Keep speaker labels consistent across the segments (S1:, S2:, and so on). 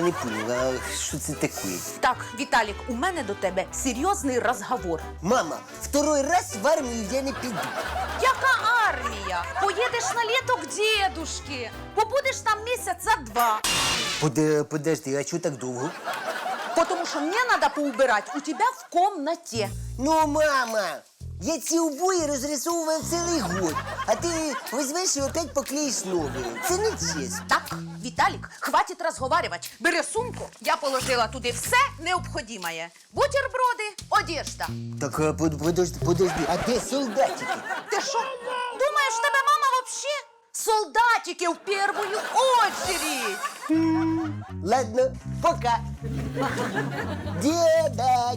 S1: не понял, а що це таке?
S2: Так, Віталік, у мене до тебе серйозний розговор.
S1: Мама, второй раз в армію я не піду.
S2: Яка армія? Поїдеш на літо к дедушки. Побудеш там місяця 2.
S1: Подожди, а чого так довго?
S2: Потому що мені треба поубирати у тебе в комнаті.
S1: Ну, мама, я ці обої розрисовував цілий год, а ти візьмеш і опять поклеїш нові. Це не чесно.
S2: Так, Віталік, хватить розговарювати. Бери сумку, я положила туди все необхідне. Бутерброди, одежда.
S1: Так, подожди, а де солдатики?
S2: Ти що, думаєш, в тебе мама вообще? Солдатики в первую очередь.
S1: Ладно, пока. Деда.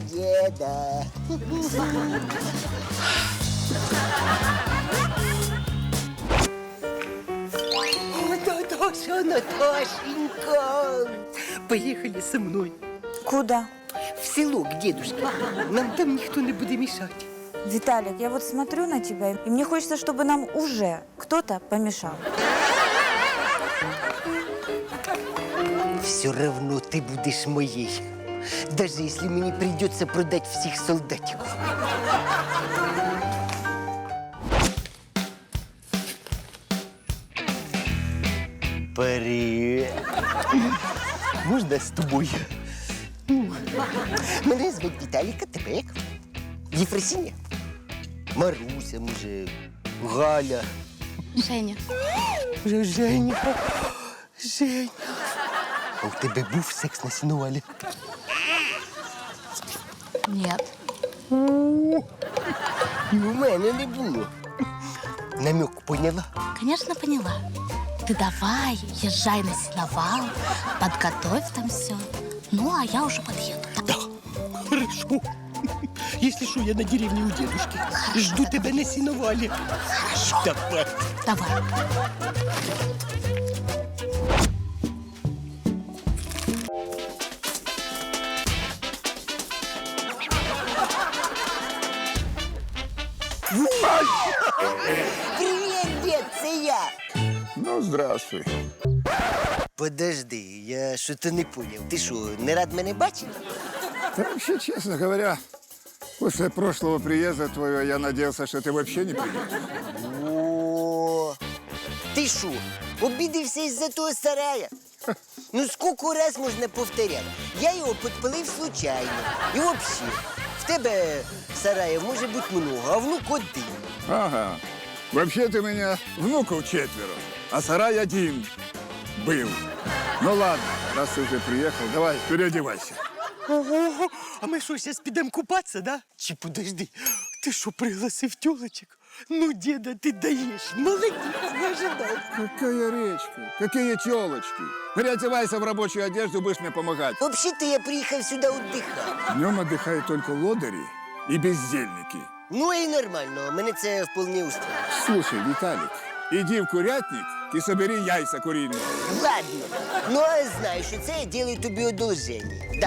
S1: Наташенька, поехали со мной
S3: Куда?
S1: в село к дедушке. Нам там никто не будет мешать.
S3: Виталик, я вот смотрю на тебя, и мне хочется, чтобы нам уже кто-то помешал.
S1: Все равно ты будешь моей, даже если мне придется продать всех солдатиков. Привет. Можна з тобою? Мене звуть Віталіка, тебе як? Єфросиня? Маруся, може, Галя.
S4: Женя.
S1: Женя. А у тебе був секс на сінувалі?
S4: Нет.
S1: І у мене не було. Намек поняла?
S4: Конечно, поняла. Ты давай, езжай на сеновал, подготовь там все. Ну, а я уже подъеду.
S1: Да, хорошо. Если что, я на деревне у дедушки. Жду тебя на сеновале.
S4: Хорошо.
S1: Давай.
S4: Давай.
S1: Привет, дед, це я.
S5: Ну, здравствуй.
S1: Подожди, я що-то не понял. Ти що, не рад мене бачити?
S5: Да вообще, честно говоря, после прошлого приезда твоего я надеялся, что ты вообще не придешь.
S1: О, ти що, обідався із-за того сарая? Ну, скільки раз можна повторяти? Я його підпалив случайно. І взагалі, в тебе сараїв може бути много, а внук один.
S5: Ага. Вообще-то у меня внуков 4, а сарай один был. Ну ладно, раз ты уже приехал, давай, переодевайся.
S1: Ого, а ми що, зараз підемо купатися, да? Чи подожди, ти що, пригласив тёлочек? Ну, деда, ти даєш, молодець, не ожидав.
S5: Какая речка, какие телочки. Переодевайся в рабочую одежду, будешь мне помогать.
S1: Взагалі-то я приїхав сюди віддихати.
S5: Днем отдыхают только лодыри и бездельники.
S1: Ну і нормально, мене це вполне устроює.
S5: Слушай, Виталик, иди в курятник и собери яйца куриные.
S1: Ладно, ну а знаю, що це я делаю тобі одолження. Да.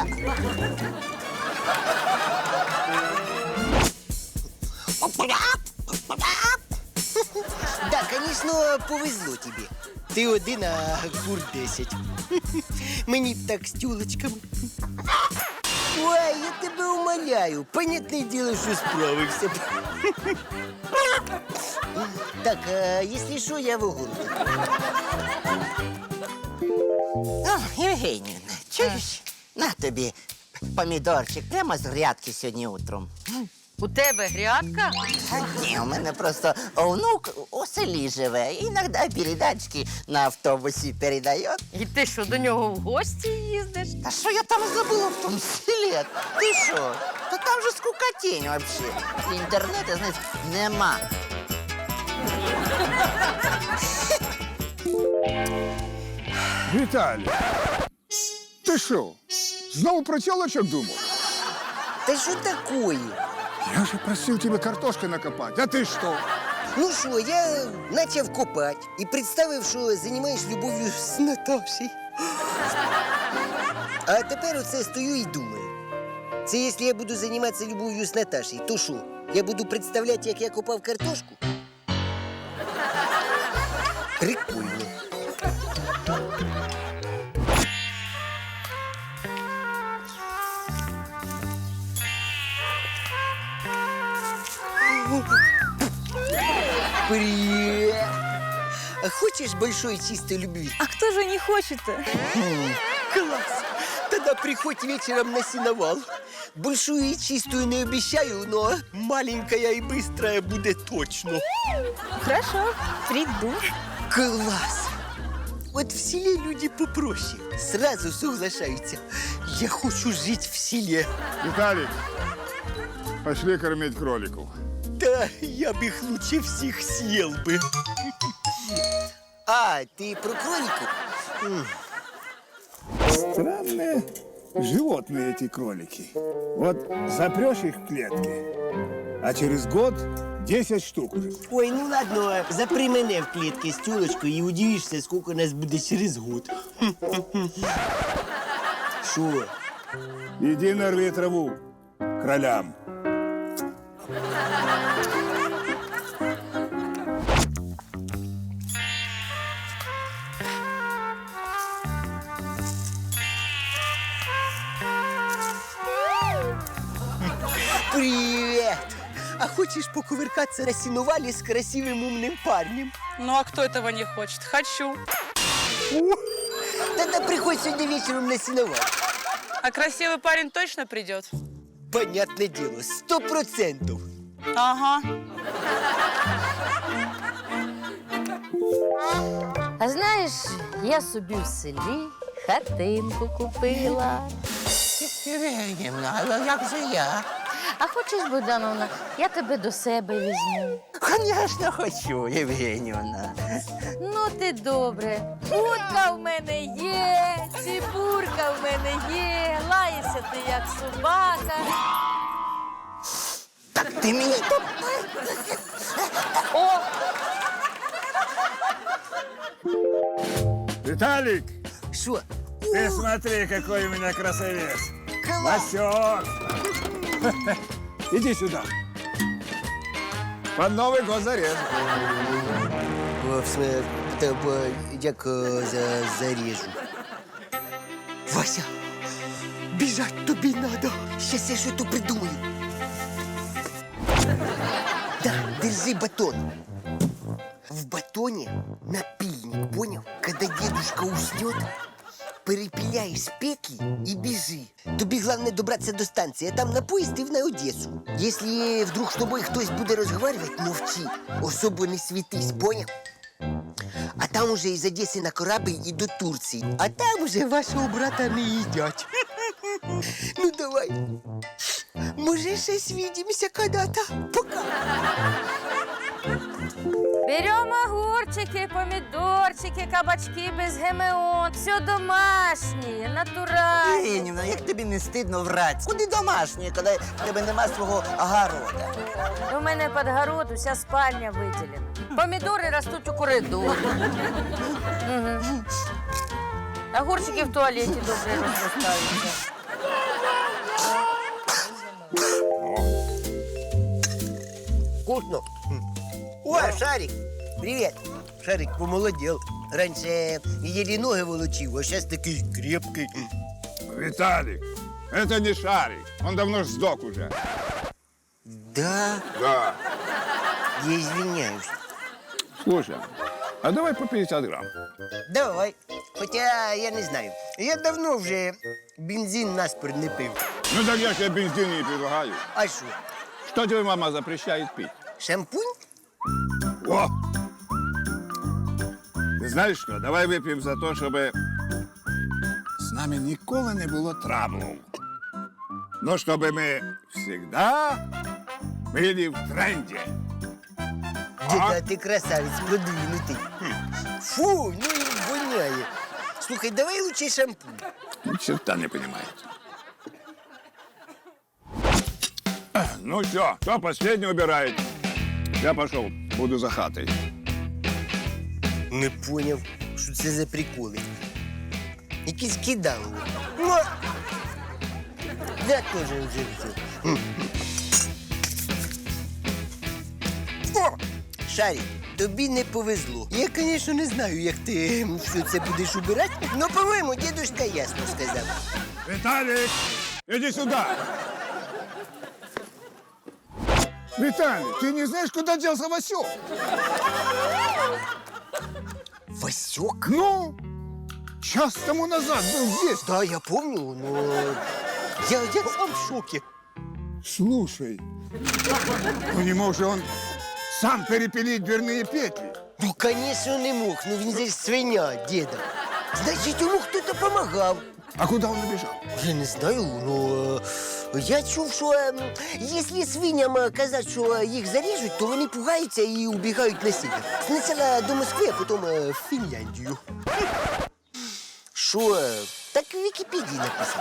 S1: Да, конечно, повезло тобі. Ти один, а кур 10. Мені б так з тюлочками. Ой, я тебе умоляю. Понятне діло, що справився. Так, а якщо що, я в огороді.
S6: О, Євгенівна, чуєш? На тобі помідорчик прямо з грядки сьогодні утром.
S2: У тебе грядка?
S6: Ні, у мене просто внук у селі живе. Іноді передачки на автобусі передає.
S2: І ти що, до нього в гості їздиш?
S6: Та що я там забула в тому селі? Ти що? Та там же скукотінь взагалі. Інтернету, знаєш, нема.
S5: Виталий, ты что, снова про телочек думал?
S1: Та що такое?
S5: Я же просил тебя картошкой накопать, а ты что?
S1: Ну що, я почав копати і представив, що займаєш любов'ю з Наташею. А тепер оце стою і думаю. Це якщо я буду займатися любов'ю з Наташею, то що? Я буду представляти, як я копав картошку? Прикольно. Привет! А хочешь большой чистой любви?
S3: А кто же не хочет-то?
S1: Класс! Тогда приходь вечером на сеновал. Большую и чистую не обещаю, но маленькая и быстрая будет точно.
S3: Хорошо, приду.
S1: Класс! Вот в селе люди попроще. Сразу соглашаются. Я хочу жить в селе.
S5: Виталик, пошли кормить кроликов.
S1: Да, я бы их лучше всех съел бы. А, ты про кроликов?
S5: Странные животные эти кролики. Вот запрешь их в клетки, а через год 10 штук уже.
S1: Ой, ну ладно, запри мене в клетке с тёлочкой и удивишься, сколько нас будет через год. Шо?
S5: Иди нарви траву кролям.
S1: Привет! А хочешь покувыркаться на сеновале с красивым умным парнем?
S7: Ну а кто этого не хочет? Хочу.
S1: Тогда приходь сегодня вечером на сеновал.
S7: А красивый парень точно придет?
S1: Понятное дело, 100%.
S7: Ага.
S8: А знаєш, я собі в селі хатинку купила.
S6: Євгенівна, але як же я?
S8: А хочеш, Богдановна, я тебе до себе візьму.
S6: Звісно, хочу, Євгенівна.
S8: Ну ти добре. Утка в мене є, цибурка в мене є, лаєшся ти як собака.
S6: Так ти мені
S8: О,
S5: Виталик,
S1: Шо?
S5: ты смотри, какой у меня красавец.
S1: Класс!
S5: Васек. Иди сюда. Под Новый год зарежу.
S1: Як зарежу. Вася, бежать тобі надо. Сейчас я что-то придумаю. Да, держи батон. В батоне напильник, понял? Когда дедушка уснет, перепиляешь петли и бежи. Тобі главное добраться до станции, а там на поезд и на Одессу. Если вдруг с тобой кто-то будет разговаривать, молчи. Особо не светись, понял? А там уже из Одессы на корабль и до Турции. А там уже вашего брата не едят. Ну давай. Може, ще свидимся когда-то. Пока.
S8: беремо огурчики, помідорчики, кабачки без ГМО. Все домашнє, натуральне.
S6: Євгенівна, як тобі не стидно врать? Куди домашнє, коли в тебе нема свого огорода?
S8: У мене під город уся спальня виділена. Помідори ростуть у коридорі. Мгм. Огурчики в туалеті добре розростаються.
S1: Вкусно. О, Шарик, привет. Шарик помолодел. Раньше еле ноги волочил, а сейчас такой крепкий.
S5: Виталик, это не Шарик. Он давно ж сдох уже.
S1: Да,
S5: Да.
S1: я извиняюсь.
S5: Слушай, а давай по 50 грамм.
S1: Давай. Хотя я не знаю. Я давно вже бензин наспор не пив.
S5: Ну так я тебе бензин не предлагаю.
S1: А що?
S5: Что тебе мама запрещает пить?
S1: Шампунь?
S5: О! Ти знаєш що? Давай вип'ємо за те, щоб з нами ніколи не було траблу. Ну, щоб ми завжди були в тренді.
S1: Діда, ти красавець, продвинутий. Фу, ну і воняє. Слухай, давай лучше шампунь.
S5: Ни черта не понимает. Ну все, кто последний убирает? Я пошел, буду за хатой.
S1: Не поняв, що це за приколи. Якісь кидали. Ну, я теж вже все. О, Шарик, тобі не повезло. Я, звісно, не знаю, як ти все це будеш убирати, але, по-моєму, дідушка ясно сказав.
S5: Виталик, иди сюда. Виталий, ты не знаешь, куда делся Васек?
S1: Васек?
S5: Ну, час тому назад был здесь.
S1: Да, я помню, но я сам в шоке.
S5: Слушай, ну не мог же он сам перепилить дверные петли?
S1: Ну, конечно, не мог. Ну, він же ж свиня, деда. Значить, йому хтось допомагав.
S5: А куда он убежал?
S1: Я не знаю, но я чув, що якщо свиням казати, що їх заріжуть, то вони пугаються і убігають на север. Спочатку до Москви, а потім в Фінляндію. Що? Так в Вікіпедії написано.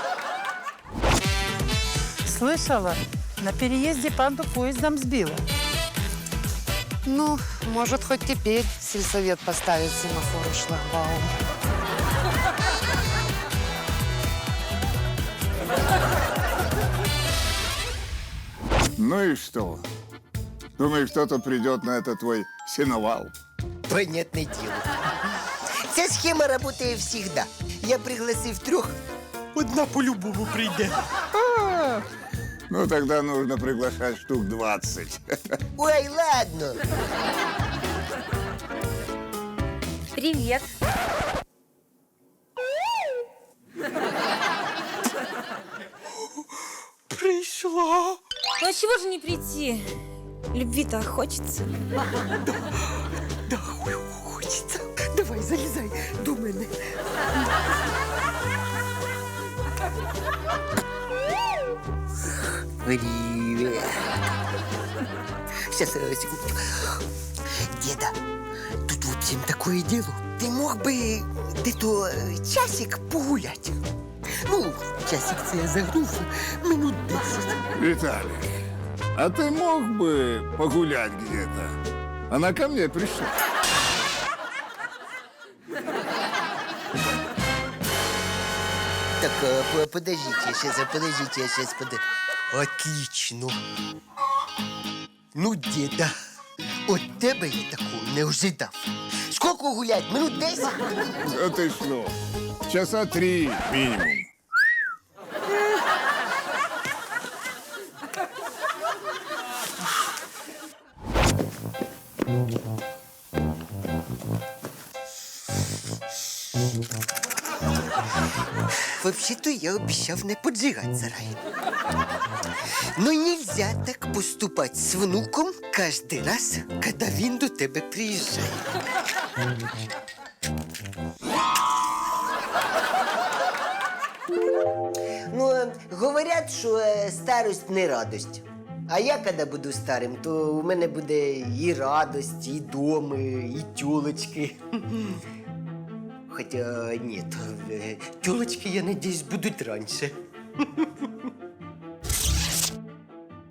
S9: Слышала, на переезде панду поездом сбила.
S10: Ну, может, хоть теперь сельсовет поставит семафор и шлагбаум.
S5: Ну и что? Думаешь, кто-то придет на этот твой сеновал?
S1: Понятне діло. Ця схема працює завжди. Я пригласив 3, одна по-любому прийде.
S5: Ну, тогда нужно приглашать штук 20.
S1: Ой, ладно.
S3: Привет.
S1: Прийшла.
S3: Ну а чего же не прийти? Любви-то хочется.
S1: Да, хочеться. Давай, залізай до мене. Привет. Сейчас, секундочку. Деда, тут в общем такое дело. Ты мог бы где-то часик погулять? Ну, часик це я загнув, минут 10.
S5: Виталий, а ты мог бы погулять где-то? Она ко мне пришла.
S1: Так, подождите, я сейчас. Отлично. Ну, деда, от тебе я такого не ожидав. Сколько гулять? Минут 10?
S5: Да ты что? Часа 3 минимум.
S1: Вообще-то я обещав не поджигать сарай. Но нельзя так поступать с внуком каждый раз, когда він до тебе приезжает. Ну, говорять, що старость не радость. А я, коли буду старим, то у мене буде і радость, і доми, і тюлочки. Хотя нет, тюлочки, я надеюсь, будут раньше.